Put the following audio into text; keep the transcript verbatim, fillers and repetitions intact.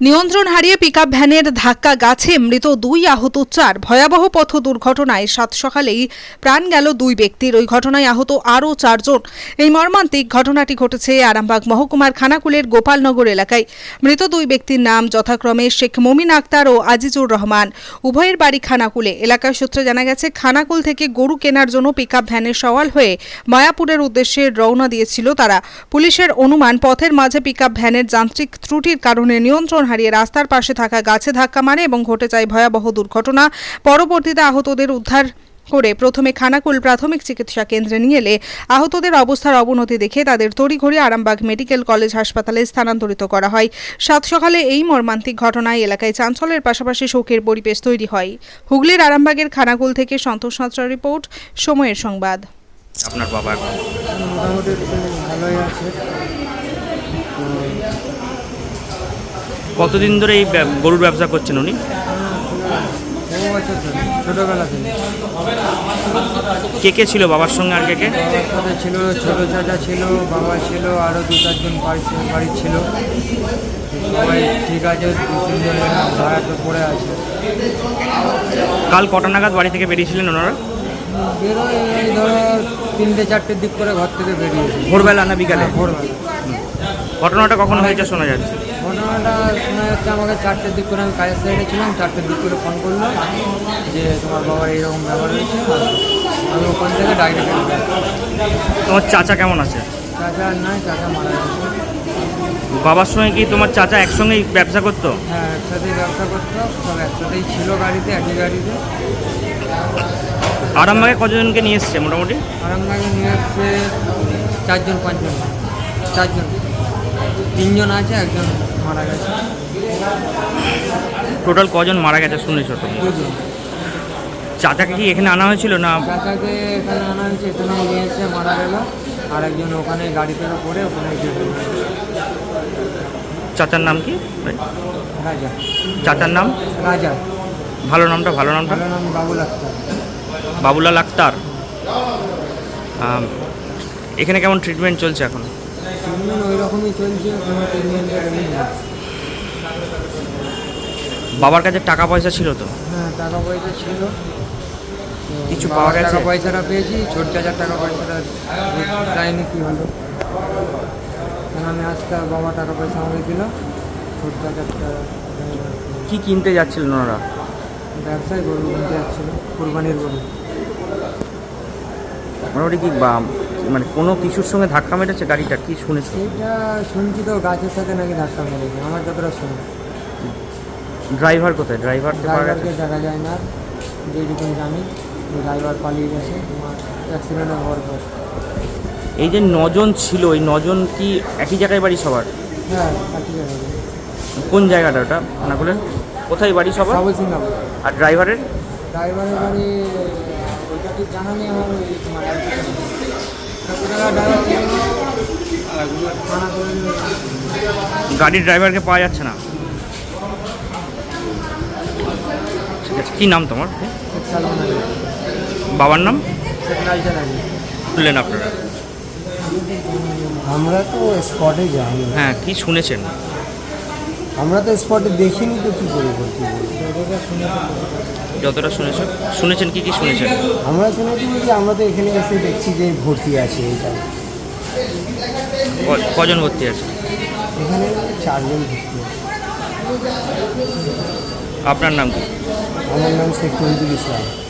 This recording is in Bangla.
নিয়ন্ত্রণ হারিয়ে পিকআপ ভ্যানের ধাক্কা গাছে মৃত দুই, আহত চার। ভয়াবহ পথ দুর্ঘটনায় সাত সকালেই প্রাণ গেল দুই ব্যক্তির। ওই ঘটনায় আহত আরও চারজন। এই মর্মান্তিক ঘটনাটি ঘটেছে আরামবাগ মহকুমার খানাকুলের গোপালনগর এলাকায়। মৃত দুই ব্যক্তির নাম যথাক্রমে শেখ মমিন আক্তার ও আজিজুর রহমান। উভয়ের বাড়ি খানাকুলে। এলাকার সূত্রে জানা গেছে, খানাকুল থেকে গরু কেনার জন্য পিকআপ ভ্যানে সওয়াল হয়ে মায়াপুরের উদ্দেশ্যে রওনা দিয়েছিল তারা। পুলিশের অনুমান, পথের মাঝে পিকআপ ভ্যানের যান্ত্রিক ত্রুটির কারণে নিয়ন্ত্রণ হারিয়ে রাস্তার পাশে থাকা গাছে ধাক্কা মারে এবং ঘটে যায় ভয়াবহ দুর্ঘটনা। পরবর্তীতে আহতদের উদ্ধার করে প্রথমে খানাকুল প্রাথমিক চিকিৎসা কেন্দ্রে নিয়ে এলে আহতদের অবস্থার অবনতি দেখে তাদের তড়িঘড়ি আরামবাগ মেডিকেল কলেজ হাসপাতালে স্থানান্তরিত করা হয়। সাত সকালে এই মর্মান্তিক ঘটনায় এলাকায় চাঞ্চল্যের পাশাপাশি শোকের পরিবেশ তৈরি হয়। হুগলির আরামবাগের খানাকুল থেকে সন্তোষ সাঁতরার রিপোর্ট, সময়ের সংবাদ। আপনার বাবা মোটামুটি ভালোই আছে। কতদিন ধরে এই ব্যব- গরুর ব্যবসা করছেন উনি? বহু বছর ধরে, ছোটোবেলা থেকে। কে কে ছিল বাবার সঙ্গে, আর কে কে? বাবার সাথে ছিল, ছোটো চাচা ছিল, বাবা ছিল, আরও দু চারজন বাড়ির ছিল। সবাই ঠিক আছে, দু তিনজন ভাড়া তো পড়ে আছে। কাল কটা নাগাদ বাড়ি থেকে বেরিয়েছিলেন ওনারা? বেরোয় এই ধরো তিনটে চারটের দিক করে ঘর থেকে বেরিয়েছে। ভোরবেলা না বিকালে? ভোরবেলা। ঘটনাটা কখন হয়েছে শোনা যাচ্ছে? ঘটনাটা শোনা যাচ্ছে আমাকে চারটের দিক করে, আমি কাজের সাইডে ছিলাম, চারটের দিক করে ফোন করলো যে তোমার বাবার এইরকম ব্যাপার হয়েছে। আমি ওখান থেকে ডাইরেক্ট। তোমার চাচা কেমন আছে? চাচা নাই, চাচা মারা গেছে। বাবার সঙ্গে কি তোমার চাচা একসঙ্গেই ব্যবসা করতো? হ্যাঁ, একসাথেই ব্যবসা করতো, সব একসাথেই ছিল গাড়িতে, একই গাড়িতে। আরামবাগে কতজনকে নিয়ে এসছে মোটামুটি? আরামবাগে নিয়ে আসছে চারজন পাঁচজন, চারজন, তিনজন আছে, একজন মারা গেছে। টোটাল কজন মারা গেছে শুনেছো তুমি? দুজন। চাচাকে কি এখানে আনা হয়েছিল না? চাচাকে এখানে আনা হয়েছে, এখানে নিয়ে এসে মারা গেল। আর একজন ওখানে গাড়ি থেকে পড়ে ওখানে গিয়ে। চাচার নাম কি? রাজা। চাচার নাম? রাজা। ভালো নামটা, ভালো নামটা? ভালো নাম বাবুল আক্তার। বাবুলাল আক্তার। আম, এখানে কেমন ট্রিটমেন্ট চলছে এখন? ট্রিটমেন্ট ওই রকমই চলছে, কোনো ট্রিটমেন্টের নেই। বাবার কাছে টাকা পয়সা ছিল তো? হ্যাঁ, টাকা পয়সা ছিল, কিছু বাবার পাওয়া গেছে? টাকা পয়সাটা পেয়েছি, ছোট চাচার টাকা পয়সাটা যায়নি। কি হলো, কারণ আমি আসতে বাবা টাকা পয়সা আমাকে দিল, ছোট চাচারটা কি কিনতে যাচ্ছিলেন ওনারা? ব্যবসায় গরু কিনতে যাচ্ছিল, কুরবানির গরু। মোটামুটি কি বা মানে কোনো কিছুর সঙ্গে ধাক্কা মেরেছে গাড়িটা, কি শুনেছি? এটা শুনছি তো, গাছের সাথে নাকি ধাক্কা মেরেছে, আমার যতটা শুনি। ড্রাইভার কোথায়? ড্রাইভার ড্রাইভারকে দেখা যায় না, যেরকম জানি ড্রাইভার পালিয়ে গেছে তোমার অ্যাক্সিডেন্টের হওয়ার পর। এই যে নজন ছিল, এই নজন কি একই জায়গায় বাড়ি সবার? হ্যাঁ, একই জায়গায়। কোন জায়গাটা ওটা খানাকুলের? কোথায় বাড়ি সবার? সাবল সিংহাপুর। আর ড্রাইভারের? ড্রাইভারের বাড়ি ওইটা ঠিক জানা নেই আমার। ওই তোমার গাড়ির ড্রাইভারকে পাওয়া যাচ্ছে না। ঠিক আছে, কী নাম তোমার? বাবার নাম তুললেন আপনারা? আমরা তো স্পটে যাই। হ্যাঁ, কি শুনেছেন? আমরা তো স্পটে দেখিনি, তো কী করে বলছি। যতটা শুনেছেন শুনেছেন কি কি শুনেছেন? আমরা শুনেছি যে আমরা তো এখানে এসে দেখছি যে ভর্তি আছে এইটা। ক- কজন ভর্তি আছে? এখানে চারজন ভর্তি আছে। আপনার নাম কি? আমার নাম শেখ তহিদুল ইসলাম।